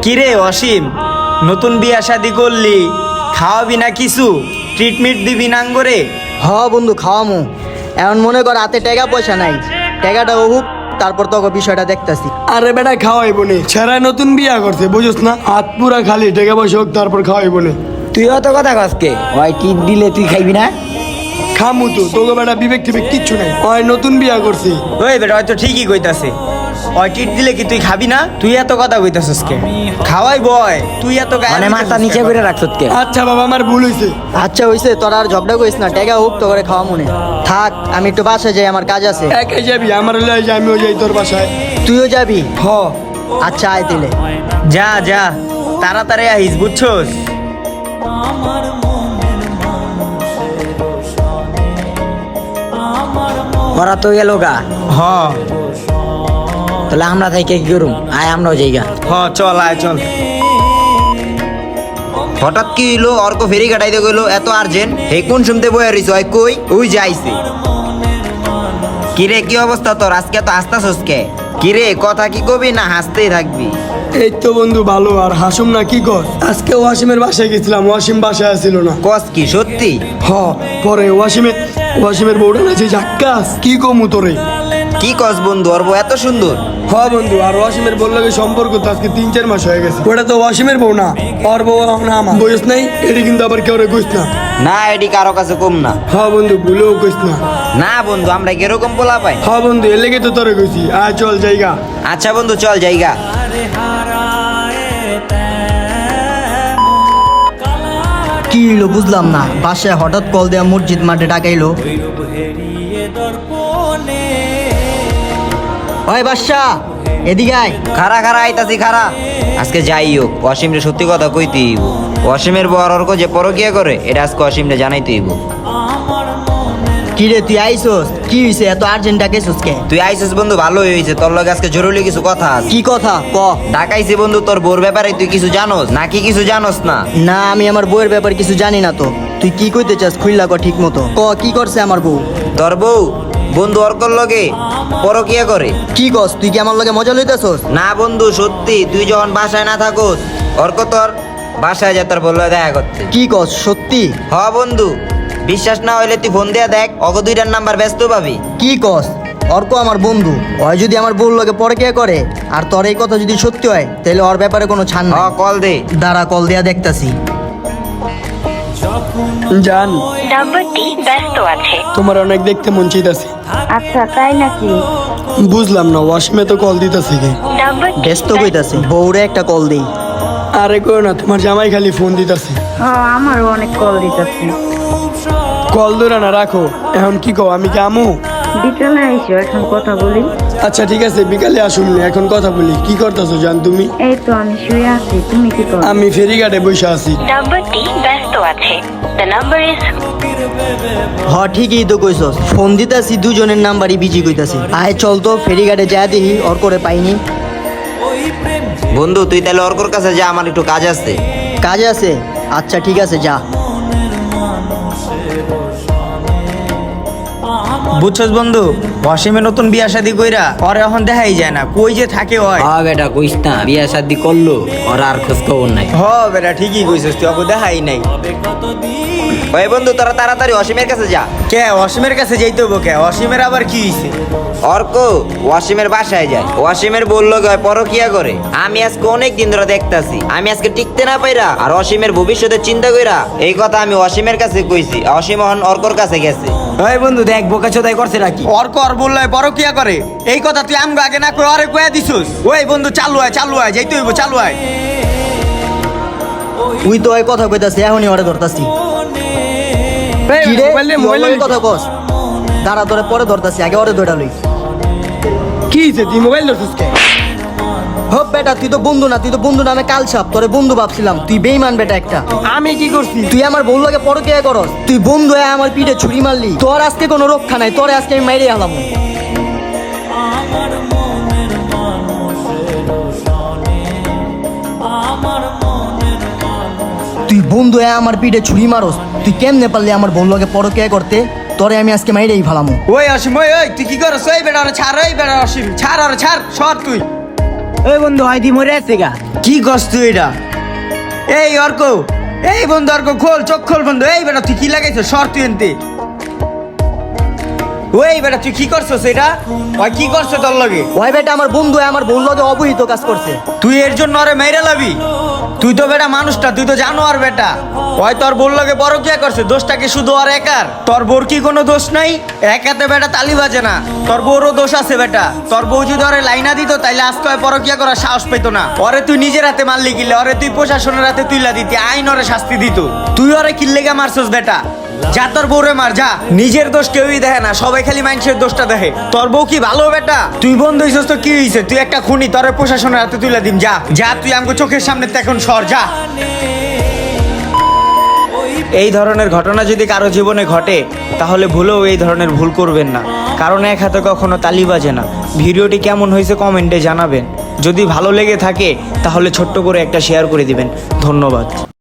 কিরে অসীম, নতুন বিয়া শাদি করলি, খাওয়াবি না কিছু? ট্রিটমেন্ট দিবি না করে? হ বন্ধু খাওয়ামু। এখন মনে কর হাতে টাকা পয়সা নাই, টাকাটা হোক তারপর তোকে বিষয়টা দেখতাছি। আরে বেটা খাওয়াইব নে, ছেড়া নতুন বিয়া করছে বুঝছ না, হাত পুরা খালি, টাকা পয়সা হোক তারপর খাওয়াইব নে। তুই অত কথা কসকে? ওই টিপ দিলে তুই খাইবি না? খামু তো, তোকে বেটা বিবেক টিবেক কিচ্ছু নাই, ওই নতুন বিয়া করছে। ওই বেটা হয়তো ঠিকই কইতাছে। ওই ট্রিট দিলে কি তুই খাবি না? তুই এত কথা কইতাছস কে? খাওয়াই বয়, তুই এত গায়ে মানে মাথা নিচে করে রাখছত কে? আচ্ছা বাবা আমার ভুল হয়েছে। আচ্ছা হইছে, তোরা আর ঝগড়া করিস না, টাকা হোক তো করে খাওয়া মনে থাক। আমি একটু বাসায় যাই, আমার কাজ আছে। একাই যাবি? আমার লয়ে যা, আমিও যাই তোর বাসায়। তুইও যাবি? হ। আচ্ছা আয় দিলে। যা যা, তাড়াতাড়ি আহিস বুঝছস। ওরা তো গেল গা, হ তাহলে আমরা থাকি কি করুম? আয় আমরাও যাইগা। হ, চল আয় চল। হঠাৎ কি হইলো? অর্ক ফেরি কাটাইতে গেলো, এত আর্জেন্ট? হে কোন শুনতে বয়ে রইছ? ওই কই? ওই যাইছে। কিরে কি অবস্থা তোর? আজকে তো হাসতাছস কে? কিরে কথা কি কবি না হাসতেই থাকবি? এই তো বন্ধু ভালো, আর হাসুম না কি কর? আজকে ওয়াসিমের বাসায় গেছিলাম, ওয়াসিম বাসায় আসছিল না। কস কি সত্যি? হ, পরে ওয়াসিমের বউটা না যে জাক্কাস, কি কমু তোরে? কি কস বন্ধু? ওর বউ এত সুন্দর? হ বন্ধু, আর ওয়াসিমের বউ লাগে সম্পর্ক তো আজকে 3-4 মাস হয়ে গেছে। ওটা তো ওয়াসিমের বউ না, ওর বউ না আমার। বয়স নাই এটি কিন্তু আবার কেউ কইস না। না এটি কারো কাছে কম না। হ বন্ধু ভুলেও কইস না। না বন্ধু, আমরা কিরকম পোলা পাই? হ বন্ধু এর লেগে তো তোরে কইছি, আয় চল জায়গা। আচ্ছা বন্ধু চল জায়গা। কি হইলো বুঝলাম না, বাসায় হঠাৎ কল দেয়া মসজিদ মাঠে ডাকাইলো। ওই বাদশা এদিকে আয়। খারা খারা আইতাছি খারা। আজকে যাই হোক, অসীমরে সত্যি কথা কইতেই হইব। অসীমের বউ আর অর্ক যে পরকিয়া করে, এটা আজকে অসীমরে জানাইতেই হইব। কি রে তুই আইসোস? কি হইছে এত আর্জেন্ট ডাকাইছস কে? তুই আইসিস বন্ধু, ভালোই হয়েছে। তোর লগে আজকে জরুরি কিছু কথা আছে। কি কথা ক? ঢাকাইছি বন্ধু, তোর বোর ব্যাপারে তুই কিছু জানোস নাকি কিছু জানোস না? না আমি আমার বউয়ের ব্যাপারে কিছু জানি না তো। তুই কি কইতে চাস খুইল্লা ক ঠিক মতো ক, কি করছে আমার বউ? তোর বউ বন্ধু অর্কর লগে পরকিয়া করে। কি কস? তুই কি আমার লগে মজা লইতাছস? না বন্ধু সত্যি, তুই যখন বাসায় না থাকোস অর্ক তোর বাসায় যা তোর বললো দেখা করতে। কি কস সত্যি? হ বন্ধু, বিশ্বাস না হইলে তুই ফোন দিয়া দেখ, অগ দুইটার নাম্বার ব্যস্ত পাবি। কি কস? অর্ক আমার বন্ধু, ওই যদি আমার বউর লগে পরকিয়া করে আর তোর এই কথা যদি সত্যি হয় তাহলে ওর ব্যাপারে কোনো ছাড় হ না। কল দে। দাঁড়া কল দেয়া দেখতাছি। জান, নাম্বারটি ব্যস্ত আছে। তোমার অনেক দেখতে মন চাইতাছে। আচ্ছা তাই নাকি? বুঝলাম না, ওয়াসিমে তো কল দিতেছে কি? নাম্বারটি ব্যস্ত কইতাছে, বউরে একটা কল দেই। আরে কই না, তোমার জামাই খালি ফোন দিতেছে। হ্যাঁ আমারও অনেক কল দিতেছে। কল ধরে না রাখো। এখন কি কও, আমি কি আমু? বিকেলে আইসো, এখন কথা বলি। আচ্ছা ঠিক আছে, বিকালে আসুন, এখন কথা বলি। কি করতেছো জান তুমি? এই তো আমি শুয়ে আছি, তুমি কি করো? আমি ফেরিঘাটে বসে আছি। নাম্বারটি ব্যস্ত আছে। দ্য নাম্বার ইজ হ ঠিকই তো কইছস, ফোন দিতাছি দুজনের নাম্বারই বিজি কইতাছি। আয় চল তো ফেরিঘাটে যা দেখি ওর করে পাইনি। বন্ধু তুই তাহলে অর্কর কাছে যা, আমার একটু কাজ আছে। কাজ আছে? আচ্ছা ঠিক আছে যা। বুঝছস বন্ধু, অসীমের নতুন বিয়া শাদি কইরা ওর এখন দেখাই যায় না, কই যে থাকে ওই। হ্যাঁ বেটা কইস না, বিয়া শাদি করলো, ওরা আর খোঁজ খবর নাই। হ বেটা ঠিকই কইছস, তুই ওকে দেখাই নাই। ওই বন্ধু তোরা তাড়াতাড়ি অসীমের কাছে যা। কে অসীমের কাছে যাইতে হবো কে? অসীমের আবার কি হইছে? অর্ক ওয়াসিমের বাসায় যায়, ওয়াসিমের বললো পরকিয়া করে। আমি আজকে অনেক দিন ধরে দেখতাছি, আমি আজকে টিকতে না পাইরা আর অসীমের ভবিষ্যতের চিন্তা কইরা এই কথা আমি অসীমের কাছে কইছি। অসীম এখন অর্কর কাছে গেছে। ওই বন্ধু দেখ বোকা চোদাই করছে নাকি? অর্ক আর বললো পরকিয়া করে, এই কথা তুই আমগো আগে না কই আরে কইয়া দিছস। ওই বন্ধু চালু আয় যাইতে হইব, চালু আয়। তুই তো ওই কথা কইতাছি, এখনই ওরে ধরতাছি। কি রে তুই ওর লগে কথা কস? দাঁড়া তোরে পরে ধরতাছি, আগে ওরে ধরে লই। কি হয়েছে, তুই মোবাইল ধরছিস কে? হপ বেটা তুই তো বন্ধু না, তুই তো বন্ধু নামে কাল সাপ, তোরে বন্ধু ভাবছিলাম, তুই বেইমান বেটা একটা। আমি কি করছি? তুই আমার বউ লাগে পরকিয়া করস, তুই বন্ধু হয়ে আমার পিঠে ছুরি মারলি, তোর আজকে কোনো রক্ষা নাই, তোরে আজকে আমি মাইরে হলাম। তুই বন্ধু হয়ে আমার পিঠে ছুরি মারস, তুই কেমনে পারলি আমার বউ লাগে পরকিয়া করতে? তোরে আমি আজকে মাইরেই ফেলামু। ওই অসীম ওই তুই কি করছ? ওই বেটা ওরে ছাড়, ওই বেটা অসীম ছাড়, ওরে ছাড়, সর তুই। ওই বন্ধু হয়তো মরে আছে গা। কি করছ তুই এটা? এই অর্ক, এই বন্ধু অর্ক, খোল চোখ খোল বন্ধু। এই বেটা তুই কি লাগাইছ? সর তুই এনতে। ওই বেটা তুই কি করছস এটা? ওই কি করছ তোর লগে? ওই বেটা আমার বন্ধু, আমার বউর লগে অবহিত কাজ করছে। তুই এর জন্য আরে মেরে লাবি? তুই তো বেটা মানুষটা, তুই তো জানো আর বেটা ওই তোর বোর লগে পরকিয়া করছে, দোষটা কি শুধু আর একার? তোর বোর কি কোনো দোষ নাই? একাতে বেটা তালি বাজে না, তোর বউরও দোষ আছে বেটা। তোর বউ যদি ওরে লাইনা দিত তাইলে আজকে ওই পরকিয়া করার সাহস পেতো না। ওরে তুই নিজের হাতে মারলি কিলে, ওরে তুই প্রশাসনের হাতে তুইলা দিতি, আইন ওরে শাস্তি দিত। তুই ওরে কিল্লেগা মারছস বেটা? যা তোর বউরে মার যা। নিজের দোষ কেউই দেখে না, সবাই খালি মানুষের দোষটা দেখে। তোর বউ কি ভালো বেটা? তুই বন্ধ হইছস তো কি হইছে? তুই একটা খুনি, তোরে প্রশাসনের হাতে তুইলা দিম। যা যা, তুই আমাকে চোখের সামনে এখন সর যা। এই ধরনের ঘটনা যদি কারো জীবনে ঘটে তাহলে ভুলেও এই ধরনের ভুল করবেন না, কারণ এক হাতে কখনো তালি বাজে না। ভিডিওটি কেমন হয়েছে কমেন্টে জানাবেন। যদি ভালো লেগে থাকে তাহলে ছোট্ট করে একটা শেয়ার করে দিবেন। ধন্যবাদ।